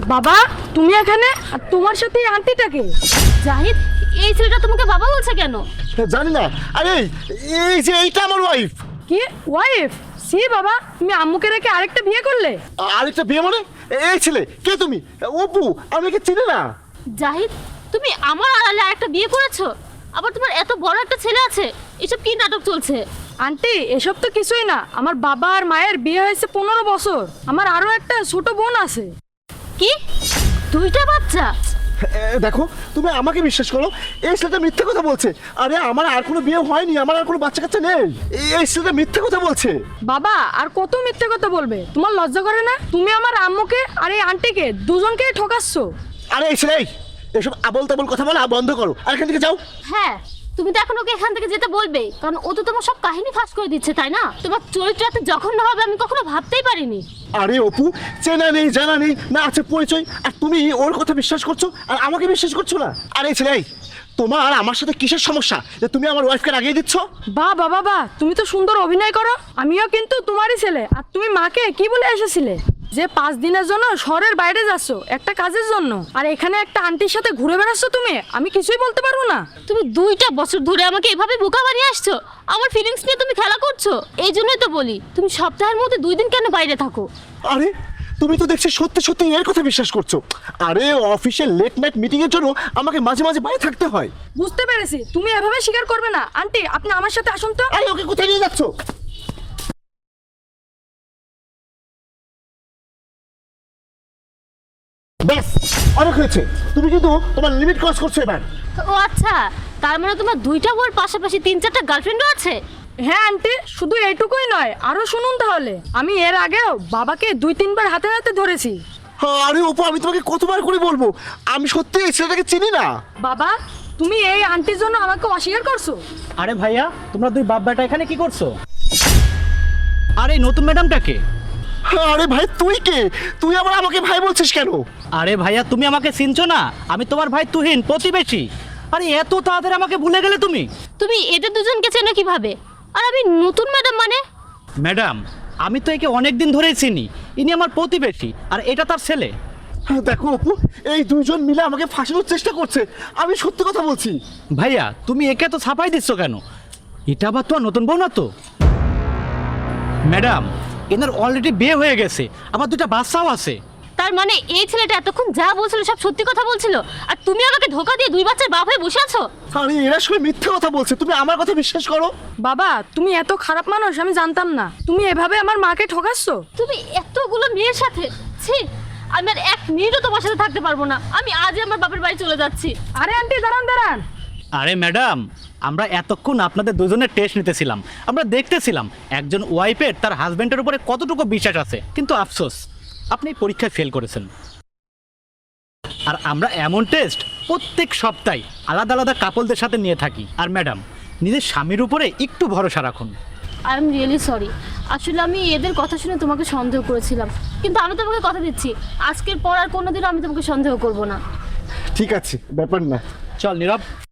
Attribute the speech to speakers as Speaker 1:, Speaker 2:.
Speaker 1: বাবা তুমি এখানে, আর তোমার সাথে এই আন্টিটাকে?
Speaker 2: জাহিদ, এই ছেলেটা তোমাকে বাবা বলছে কেন?
Speaker 3: জানি না। আরে এই যে এইটা আমার ওয়াইফ।
Speaker 1: কি ওয়াইফ? সি বাবা, তুমি আম্মুকে রেখে আরেকটা বিয়ে করলে?
Speaker 3: আরেকটা বিয়ে মানে? এই ছেলে কে তুমি? অপু, আমি কি চিনি না?
Speaker 2: জাহিদ, তুমি আমার আড়ালে আরেকটা বিয়ে করেছো, আবার তোমার এত বড় একটা ছেলে আছে। এসব কি নাটক চলছে?
Speaker 1: আন্টি এসব তো কিছুই না, আমার বাবা আর মায়ের বিয়ে হয়েছে 15 বছর। আমার আরো একটা ছোট বোন আছে।
Speaker 2: কি, দুইটা বাচ্চা?
Speaker 3: দেখো, তুমি আমাকে বিশ্বাস করো, এই ছেলেটা মিথ্যে কথা বলছে। আরে আমার আর কোনো বিয়ে হয়নি, আমার আর কোনো বাচ্চা কাচ্চা নেই। এই ছেলেটা মিথ্যে কথা বলছে।
Speaker 1: বাবা আর কত মিথ্যে কথা বলবে? তোমার লজ্জা করে না? তুমি আমার আম্মুকে আর এই আন্টিকে দুজনকেই ঠকাচ্ছ।
Speaker 3: আরে এই ছেলে, এসব আবল তাবল কথা বলা বন্ধ করো, আর এখান থেকে যাও।
Speaker 2: হ্যাঁ, তুমি তো এখন ওকে এখান থেকে যেতে বলবে, কারণ ও তো তোমার সব কাহিনী ফাঁস করে দিচ্ছে, তাই না? তোমার চরিত্র এত জঘন্য হবে আমি কখনো ভাবতেই পারিনি।
Speaker 3: আরে অপু, চেনা নেই জানা নেই না আছে পরিচয়, আর তুমি ওর কথা বিশ্বাস করছো আর আমাকে বিশ্বাস করছো না? আরে ছেলে, তোমার আমার সাথে কিসের সমস্যা যে তুমি আমার ওয়াইফকে রাগিয়ে দিচ্ছ?
Speaker 1: বাবা বাবা, তুমি তো সুন্দর অভিনয় করো। আমিও কিন্তু তোমারই ছেলে। আর তুমি মাকে কি বলে এসেছিলে যে 5 দিনের জন্য শহরের বাইরে যাচ্ছ একটা কাজের জন্য, আর এখানে একটা আন্টির সাথে ঘুরে বেড়াচ্ছ তুমি? আমি কিছুই বলতে পারবো না।
Speaker 2: তুমি 2টা বছর ধরে আমাকে এভাবে বোকা বানিয়ে আসছো, আমার ফিলিংস নিয়ে তুমি খেলা করছো। এই জন্যই তো বলি, তুমি সপ্তাহের মধ্যে 2 দিন কেন বাইরে থাকো?
Speaker 3: আরে তুমি তো দেখছি সত্যি সত্যি এর কথা বিশ্বাস করছো। আরে অফিসের লেট নাইট মিটিং এর জন্য আমাকে মাঝে মাঝে বাইরে থাকতে হয়।
Speaker 1: বুঝতে পেরেছি, তুমি এভাবে স্বীকার করবে না। আন্টি আপনি আমার সাথে আসুন তো।
Speaker 3: আরে ওকে কোথায় নিয়ে যাচ্ছ? ব্যাস, অনেক হয়েছে। তুমি কিন্তু তোমার লিমিট ক্রস করছো এবার।
Speaker 2: ও আচ্ছা, তার মানে তোমার 2টা বউর পাশাপাশি 3-4টা গার্লফ্রেন্ডও আছে?
Speaker 1: হ্যাঁ আন্টি, শুধু এইটুকুই নয়, আরো শুনুন তাহলে। আমি এর আগেও বাবাকে 2-3 বার হাতে হাতে ধরেছি।
Speaker 3: আরে অপু, আমি তোমাকে কতবার করে বলবো, আমি সত্যি এই ছেলেটাকে চিনি না।
Speaker 1: বাবা তুমি এই আন্টির জন্য আমাকে অস্বীকার করছো?
Speaker 4: আরে ভাইয়া, তোমরা দুই বাপ বেটা এখানে কি করছো? আরে নতুন ম্যাডামটাকে?
Speaker 3: আরে ভাই তুই কে? তুই আবার আমাকে ভাই বলছিস কেন?
Speaker 4: আরে ভাইয়া, তুমি আমাকে চিনছো না? আমি তোমার ভাই তুহিন, প্রতিবেশী। আরে এত তাড়াতাড়ি আমাকে ভুলে গেলে তুমি?
Speaker 2: তুমি এদের দুজনকে চেনো কিভাবে? আর আমি নতুন ম্যাডাম মানে?
Speaker 4: ম্যাডাম, আমি তো একে অনেক দিন ধরেই চিনি। ইনি আমার প্রতিবেশী, আর এটা তার ছেলে।
Speaker 3: দেখো অপু, এই দুইজন মিলে আমাকে ফাঁসানোর চেষ্টা করছে। আমি সত্যি কথা বলছি।
Speaker 4: ভাইয়া, তুমি একে তো ছাপাই দিচ্ছ কেন? এটা আবার তো আর নতুন বউ না তো। ম্যাডাম, এনার অলরেডি বিয়ে হয়ে গেছে, আমার 2টা বাচ্চাও আছে।
Speaker 2: তার মানে এই ছেলেটা এতক্ষণ যা বলছিল সব সত্যি কথা বলছিল, আর তুমি আমাকে ধোকা দিয়ে 2 বাচ্চার বাপ হয়ে বসে আছো?
Speaker 3: আরে এরা সবাই মিথ্যে কথা বলছে, তুমি আমার কথা বিশ্বাস করো।
Speaker 1: বাবা তুমি এত খারাপ মানুষ আমি জানতাম না। তুমি এভাবে আমার মাকে ঠকাচ্ছ।
Speaker 2: তুমি এতগুলো মেয়ের সাথে, ছি! আমি আর 1 মিনিটও তোমার সাথে থাকতে পারবো না। আমি আজই আমার বাপের বাড়ি চলে যাচ্ছি।
Speaker 1: আরে আন্টি দাঁড়ান দাঁড়ান।
Speaker 4: আরে ম্যাডাম, আমরা এতক্ষণ আপনাদের দুজনের টেস্ট নিতেছিলাম। আমরা দেখতেছিলাম একজন ওয়াইফের তার হাজবেন্ডের উপরে কতটুকু বিশ্বাস আছে। কিন্তু আফসোস, আপনি পরীক্ষায় ফেল করেছেন। আর আমরা এমন টেস্ট প্রত্যেক সপ্তাহে আলাদা আলাদা কাপলদের সাথে নিয়ে থাকি। আর ম্যাডাম, নিজের স্বামীর উপরে একটু ভরসা রাখুন।
Speaker 2: I am really sorry. আসলে আমি এদের কথা শুনে তোমাকে সন্দেহ করেছিলাম, কিন্তু আমি তোমাকে কথা দিচ্ছি আজকের পর আর কোনোদিনও আমি তোমাকে সন্দেহ করব না।
Speaker 3: ঠিক আছে, ব্যাপার না।
Speaker 4: চল নীরব।